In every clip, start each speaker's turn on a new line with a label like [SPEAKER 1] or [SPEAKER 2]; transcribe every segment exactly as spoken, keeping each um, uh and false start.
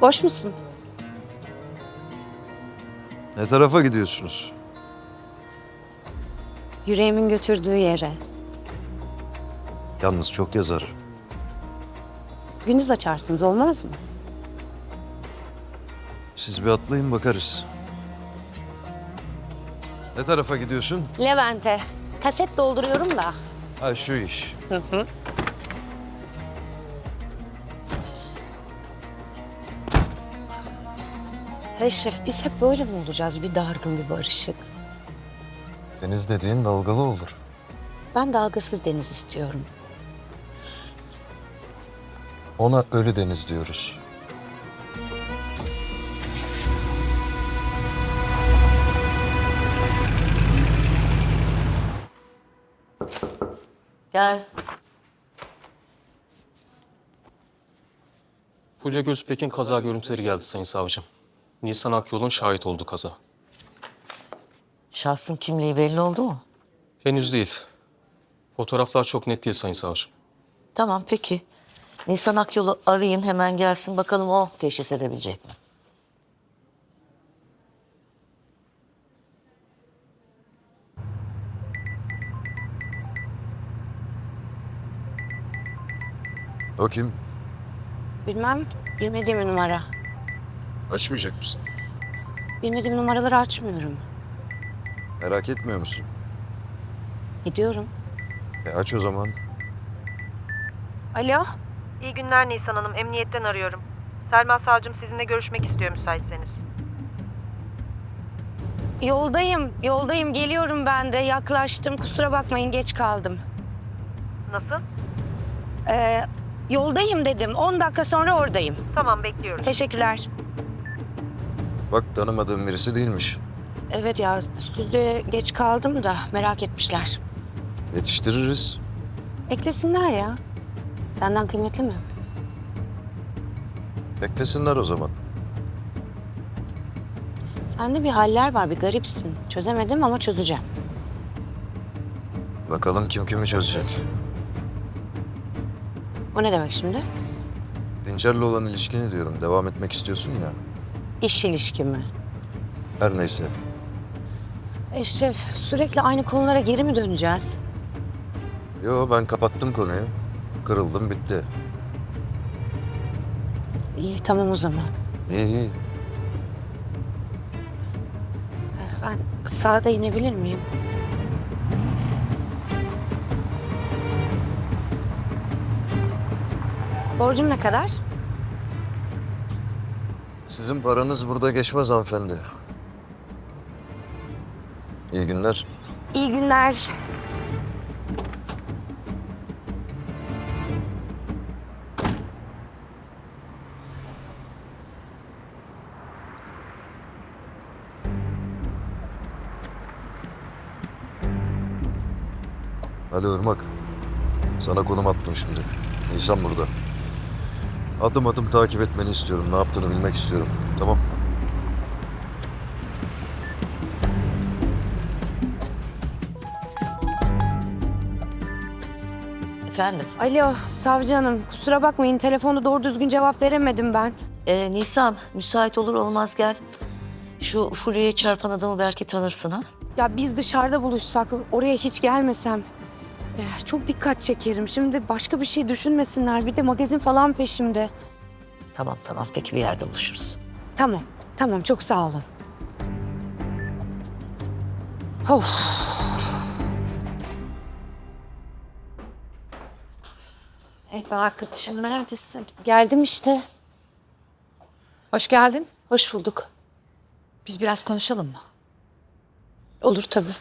[SPEAKER 1] Boş musun?
[SPEAKER 2] Ne tarafa gidiyorsunuz?
[SPEAKER 1] Yüreğimin götürdüğü yere.
[SPEAKER 2] Yalnız çok yazar.
[SPEAKER 1] Gündüz açarsınız, olmaz mı?
[SPEAKER 2] Siz bir atlayın bakarız. Ne tarafa gidiyorsun?
[SPEAKER 1] Levent'e. Kaset dolduruyorum da.
[SPEAKER 2] Ha şu iş.
[SPEAKER 1] Hı hı. Eşref, biz hep böyle mi olacağız? Bir dargın, bir barışık.
[SPEAKER 2] Deniz dediğin dalgalı olur.
[SPEAKER 1] Ben dalgasız deniz istiyorum.
[SPEAKER 2] Ona ölü deniz diyoruz.
[SPEAKER 1] Gel.
[SPEAKER 3] Fulya Gözpek'in kaza görüntüleri geldi Sayın Savcım. Nisan Akyol'un şahit olduğu kaza.
[SPEAKER 4] Şahsın kimliği belli oldu mu?
[SPEAKER 3] Henüz değil. Fotoğraflar çok net değil Sayın Savcım.
[SPEAKER 4] Tamam peki. Nisan Akyol'u arayın hemen gelsin bakalım o teşhis edebilecek mi?
[SPEAKER 2] O kim?
[SPEAKER 1] Bilmem, bilmediğim bir numara.
[SPEAKER 2] Açmayacak mısın?
[SPEAKER 1] Bilmediğim numaraları açmıyorum.
[SPEAKER 2] Merak etmiyor musun?
[SPEAKER 1] Gidiyorum.
[SPEAKER 2] E aç o zaman.
[SPEAKER 1] Alo?
[SPEAKER 5] İyi günler Nisan Hanım. Emniyetten arıyorum. Selma Savcım sizinle görüşmek istiyor müsaitseniz.
[SPEAKER 1] Yoldayım, yoldayım. Geliyorum ben de. Yaklaştım. Kusura bakmayın, geç kaldım.
[SPEAKER 5] Nasıl?
[SPEAKER 1] Ee, yoldayım dedim. On dakika sonra oradayım.
[SPEAKER 5] Tamam, bekliyoruz.
[SPEAKER 1] Teşekkürler.
[SPEAKER 2] Bak tanımadığım birisi değilmiş.
[SPEAKER 1] Evet ya, stüdyoya geç kaldım da merak etmişler.
[SPEAKER 2] Yetiştiririz.
[SPEAKER 1] Beklesinler ya. Senden kıymetli mi?
[SPEAKER 2] Beklesinler o zaman.
[SPEAKER 1] Sende bir haller var, bir garipsin. Çözemedim ama çözeceğim.
[SPEAKER 2] Bakalım kim kimi çözecek.
[SPEAKER 1] O ne demek şimdi?
[SPEAKER 2] Dinçer'le olan ilişkini diyorum. Devam etmek istiyorsun ya.
[SPEAKER 1] İş ilişkimi.
[SPEAKER 2] Her neyse.
[SPEAKER 1] Eşref, sürekli aynı konulara geri mi döneceğiz?
[SPEAKER 2] Yo ben kapattım konuyu. Kırıldım bitti.
[SPEAKER 1] İyi, tamam o zaman.
[SPEAKER 2] İyi iyi.
[SPEAKER 1] Ben sağda inebilir miyim? Borcum ne kadar?
[SPEAKER 2] Sizin paranız burada geçmez hanımefendi. İyi günler.
[SPEAKER 1] İyi günler.
[SPEAKER 2] Alo Irmak. Sana konum attım şimdi. Nisan burada. Adım adım takip etmeni istiyorum. Ne yaptığını bilmek istiyorum. Tamam.
[SPEAKER 4] Efendim?
[SPEAKER 1] Alo, savcı hanım. Kusura bakmayın, telefonda doğru düzgün cevap veremedim ben.
[SPEAKER 4] Ee, Nisan müsait olur olmaz gel. Şu Fulya'ya çarpan adamı belki tanırsın ha?
[SPEAKER 1] Ya biz dışarıda buluşsak, oraya hiç gelmesem. Eh, çok dikkat çekerim. Şimdi başka bir şey düşünmesinler. Bir de magazin falan peşimde.
[SPEAKER 4] Tamam tamam peki bir yerde buluşuruz.
[SPEAKER 1] Tamam, tamam. Çok sağ olun. Of.
[SPEAKER 6] Ekber arkadaşım neredesin?
[SPEAKER 1] Geldim işte.
[SPEAKER 6] Hoş geldin.
[SPEAKER 1] Hoş bulduk.
[SPEAKER 6] Biz biraz konuşalım mı?
[SPEAKER 1] Olur tabii.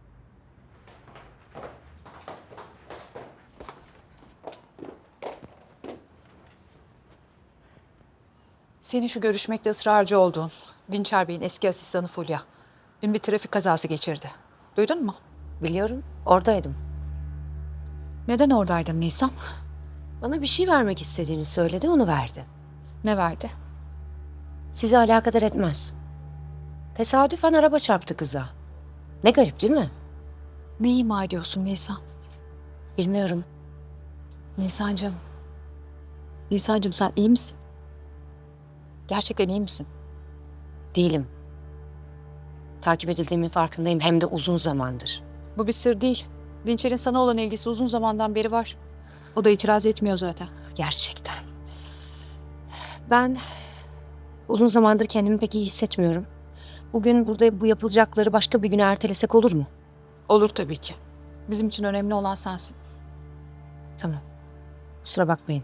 [SPEAKER 6] Senin şu görüşmekte ısrarcı olduğun Dinçer Bey'in eski asistanı Fulya dün bir trafik kazası geçirdi. Duydun mu?
[SPEAKER 1] Biliyorum, oradaydım.
[SPEAKER 6] Neden oradaydın Nisan?
[SPEAKER 1] Bana bir şey vermek istediğini söyledi, onu verdi.
[SPEAKER 6] Ne verdi?
[SPEAKER 1] Sizi alakadar etmez. Tesadüfen araba çarptı kıza. Ne garip değil mi?
[SPEAKER 6] Ne ima ediyorsun Nisan?
[SPEAKER 1] Bilmiyorum.
[SPEAKER 6] Nisancığım. Nisancığım sen iyi misin? Gerçekten iyi misin?
[SPEAKER 1] Değilim. Takip edildiğimin farkındayım hem de uzun zamandır.
[SPEAKER 6] Bu bir sır değil. Dinçer'in sana olan ilgisi uzun zamandan beri var. O da itiraz etmiyor zaten.
[SPEAKER 1] Gerçekten. Ben uzun zamandır kendimi pek iyi hissetmiyorum. Bugün burada bu yapılacakları başka bir güne ertelesek olur mu?
[SPEAKER 6] Olur tabii ki. Bizim için önemli olan sensin.
[SPEAKER 1] Tamam. Kusura bakmayın.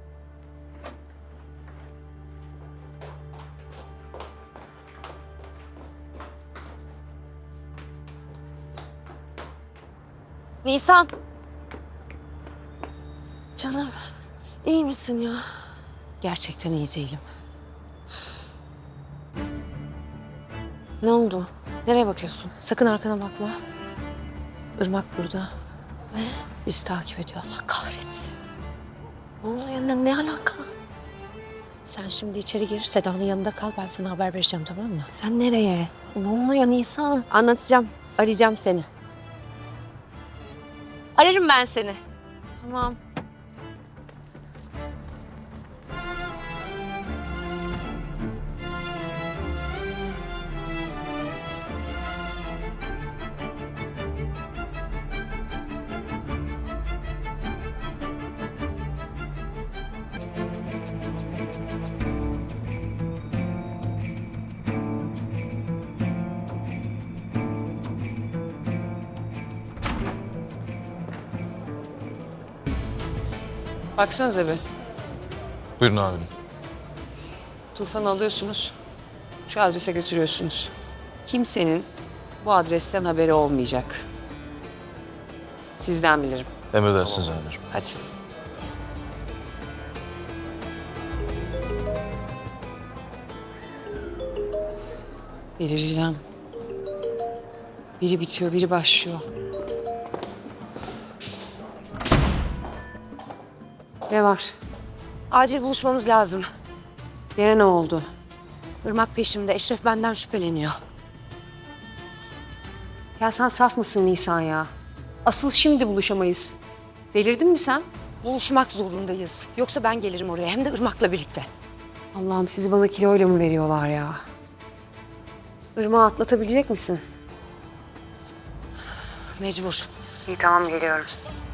[SPEAKER 1] Nisan.
[SPEAKER 7] Canım, iyi misin ya?
[SPEAKER 1] Gerçekten iyi değilim.
[SPEAKER 7] Ne oldu? Nereye bakıyorsun?
[SPEAKER 1] Sakın arkana bakma. Irmak burada. Ne? Bizi takip ediyor. Allah kahretsin.
[SPEAKER 7] Ne oluyor? Ne, ne alaka?
[SPEAKER 1] Sen şimdi içeri gir. Seda'nın yanında kal. Ben sana haber vereceğim, tamam mı?
[SPEAKER 7] Sen nereye? Ne oluyor Nisan?
[SPEAKER 1] Anlatacağım. Arayacağım seni. Ararım ben seni.
[SPEAKER 7] Tamam.
[SPEAKER 8] Baksanıza bir.
[SPEAKER 3] Buyurun amirim.
[SPEAKER 8] Tufan'ı alıyorsunuz. Şu adrese götürüyorsunuz. Kimsenin bu adresten haberi olmayacak. Sizden bilirim.
[SPEAKER 2] Emredersiniz amirim.
[SPEAKER 8] Hadi. Delireceğim. Biri bitiyor, biri başlıyor. Ne var?
[SPEAKER 1] Acil buluşmamız lazım.
[SPEAKER 8] Yine ne oldu?
[SPEAKER 1] Irmak peşimde. Eşref benden şüpheleniyor.
[SPEAKER 8] Ya sen saf mısın Nisan ya? Asıl şimdi buluşamayız. Delirdin mi sen?
[SPEAKER 1] Buluşmak zorundayız. Yoksa ben gelirim oraya. Hem de Irmak'la birlikte.
[SPEAKER 8] Allah'ım sizi bana kiloyla mı veriyorlar ya? Irmağı atlatabilecek misin?
[SPEAKER 1] Mecbur.
[SPEAKER 8] İyi tamam geliyorum.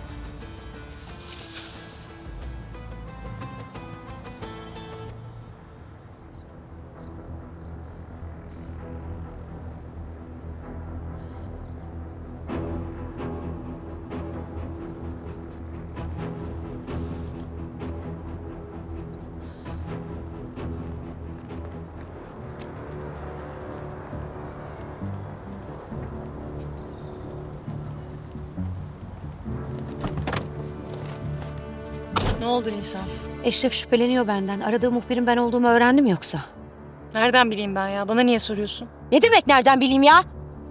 [SPEAKER 9] Ne oldu Nisan?
[SPEAKER 1] Eşref şüpheleniyor benden. Aradığı muhbirin ben olduğumu öğrendim yoksa.
[SPEAKER 9] Nereden bileyim ben ya? Bana niye soruyorsun?
[SPEAKER 1] Ne demek nereden bileyim ya?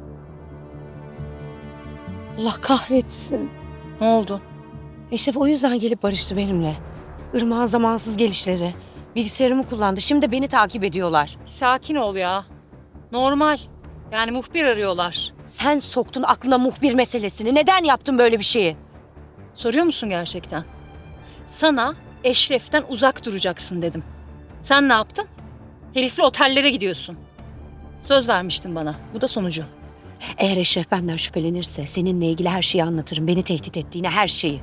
[SPEAKER 1] Allah kahretsin.
[SPEAKER 9] Ne oldu?
[SPEAKER 1] Eşref o yüzden gelip barıştı benimle. Irmak'ın zamansız gelişleri. Bilgisayarımı kullandı. Şimdi de beni takip ediyorlar.
[SPEAKER 9] Bir sakin ol ya. Normal. Yani muhbir arıyorlar.
[SPEAKER 1] Sen soktun aklına muhbir meselesini. Neden yaptın böyle bir şeyi?
[SPEAKER 9] Soruyor musun gerçekten? Sana Eşref'ten uzak duracaksın dedim. Sen ne yaptın? Herifle otellere gidiyorsun. Söz vermiştin bana. Bu da sonucu.
[SPEAKER 1] Eğer Eşref benden şüphelenirse seninle ilgili her şeyi anlatırım. Beni tehdit ettiğine her şeyi.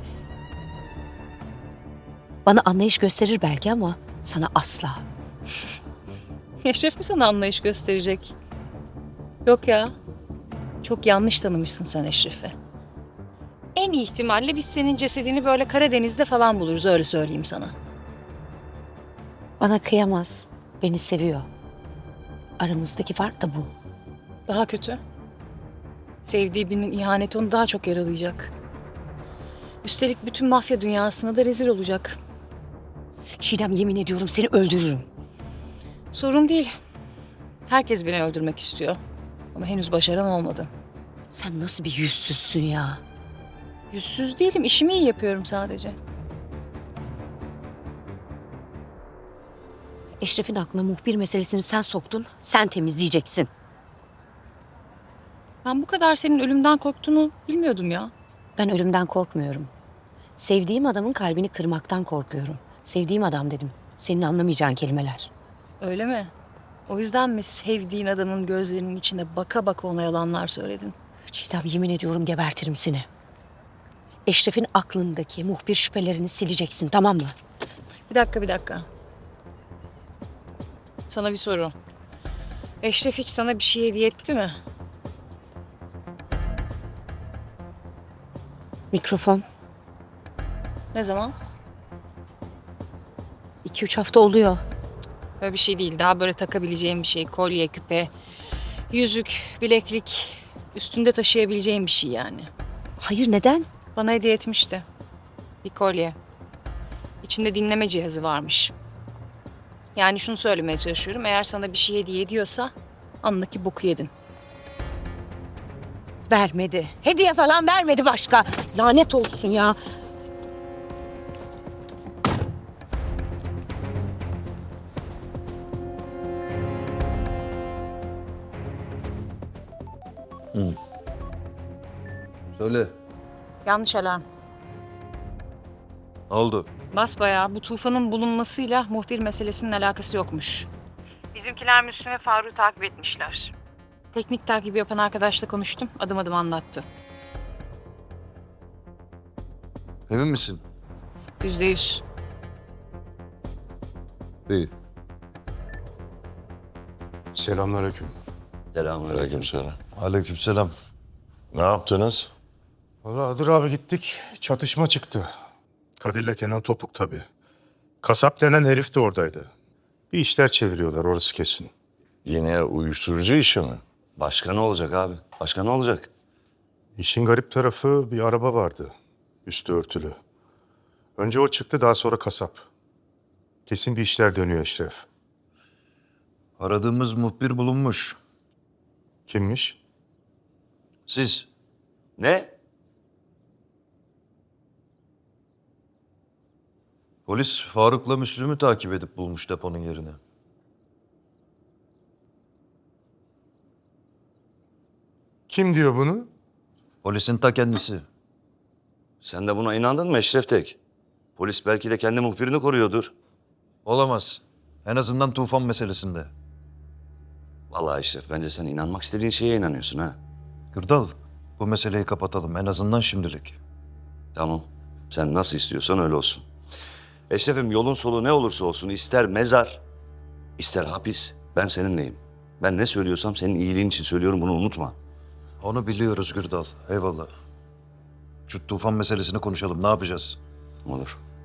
[SPEAKER 1] Bana anlayış gösterir belki ama sana asla.
[SPEAKER 9] Eşref mi sana anlayış gösterecek? Yok ya. Çok yanlış tanımışsın sen Eşref'i. En iyi ihtimalle biz senin cesedini böyle Karadeniz'de falan buluruz, öyle söyleyeyim sana.
[SPEAKER 1] Bana kıyamaz. Beni seviyor. Aramızdaki fark da bu.
[SPEAKER 9] Daha kötü. Sevdiği birinin ihaneti onu daha çok yaralayacak. Üstelik bütün mafya dünyasına da rezil olacak.
[SPEAKER 1] Çiğdem, yemin ediyorum seni öldürürüm.
[SPEAKER 9] Sorun değil. Herkes beni öldürmek istiyor. Ama henüz başaran olmadı.
[SPEAKER 1] Sen nasıl bir yüzsüzsün ya?
[SPEAKER 9] Yüzsüz değilim, işimi iyi yapıyorum sadece.
[SPEAKER 1] Eşref'in aklına muhbir meselesini sen soktun, sen temizleyeceksin.
[SPEAKER 9] Ben bu kadar senin ölümden korktuğunu bilmiyordum ya.
[SPEAKER 1] Ben ölümden korkmuyorum. Sevdiğim adamın kalbini kırmaktan korkuyorum. Sevdiğim adam dedim. Senin anlamayacağın kelimeler.
[SPEAKER 9] Öyle mi? O yüzden mi sevdiğin adamın gözlerinin içine baka baka ona yalanlar söyledin?
[SPEAKER 1] Çiğdem, yemin ediyorum gebertirim seni. Eşref'in aklındaki muhbir şüphelerini sileceksin, tamam mı?
[SPEAKER 9] Bir dakika, bir dakika. Sana bir soru. Eşref hiç sana bir şey hediye etti mi?
[SPEAKER 1] Mikrofon.
[SPEAKER 9] Ne zaman?
[SPEAKER 1] İki üç hafta oluyor.
[SPEAKER 9] Böyle bir şey değil. Daha böyle takabileceğim bir şey. Kolye, küpe, yüzük, bileklik. Üstünde taşıyabileceğim bir şey yani.
[SPEAKER 1] Hayır, neden?
[SPEAKER 9] Bana hediye etmişti. Bir kolye. İçinde dinleme cihazı varmış. Yani şunu söylemeye çalışıyorum. Eğer sana bir şey hediye ediyorsa anındaki boku yedin.
[SPEAKER 1] Vermedi. Hediye falan vermedi başka. Lanet olsun ya.
[SPEAKER 2] Söyle.
[SPEAKER 9] Yanlış alarm.
[SPEAKER 2] Ne oldu?
[SPEAKER 9] Basbayağı bu tufanın bulunmasıyla muhbir meselesinin alakası yokmuş. Bizimkiler Müslüm ve Faruk'u takip etmişler. Teknik takibi yapan arkadaşla konuştum. Adım adım anlattı.
[SPEAKER 2] Emin misin?
[SPEAKER 9] Yüzde yüz.
[SPEAKER 2] İyi.
[SPEAKER 10] Selamünaleyküm.
[SPEAKER 11] Selamünaleyküm selam.
[SPEAKER 2] Aleykümselam.
[SPEAKER 11] Ne yaptınız?
[SPEAKER 10] Valla Hıdır abi gittik. Çatışma çıktı. Kadir'le Kenan Topuk tabii. Kasap denen herif de oradaydı. Bir işler çeviriyorlar orası kesin.
[SPEAKER 11] Yine uyuşturucu işi mi? Başka ne olacak abi? Başka ne olacak?
[SPEAKER 10] İşin garip tarafı bir araba vardı. Üstü örtülü. Önce o çıktı, daha sonra kasap. Kesin bir işler dönüyor Eşref.
[SPEAKER 2] Aradığımız muhbir bulunmuş.
[SPEAKER 10] Kimmiş?
[SPEAKER 2] Siz.
[SPEAKER 11] Ne?
[SPEAKER 2] Polis Faruk'la Müslüm'ü takip edip bulmuş deponun yerini.
[SPEAKER 10] Kim diyor bunu?
[SPEAKER 2] Polisin ta kendisi.
[SPEAKER 11] Sen de buna inandın mı Eşref Tek? Polis belki de kendi muhbirini koruyordur.
[SPEAKER 2] Olamaz. En azından tufan meselesinde.
[SPEAKER 11] Vallahi Eşref, bence sen inanmak istediğin şeye inanıyorsun ha.
[SPEAKER 2] Gürdal, bu meseleyi kapatalım en azından şimdilik.
[SPEAKER 11] Tamam. Sen nasıl istiyorsan öyle olsun. Eşref'im, yolun solu ne olursa olsun, ister mezar, ister hapis, ben seninleyim. Ben ne söylüyorsam senin iyiliğin için söylüyorum, bunu unutma.
[SPEAKER 2] Onu biliyoruz Gürdal. Eyvallah. Şu tufan meselesini konuşalım. Ne yapacağız?
[SPEAKER 11] Olur.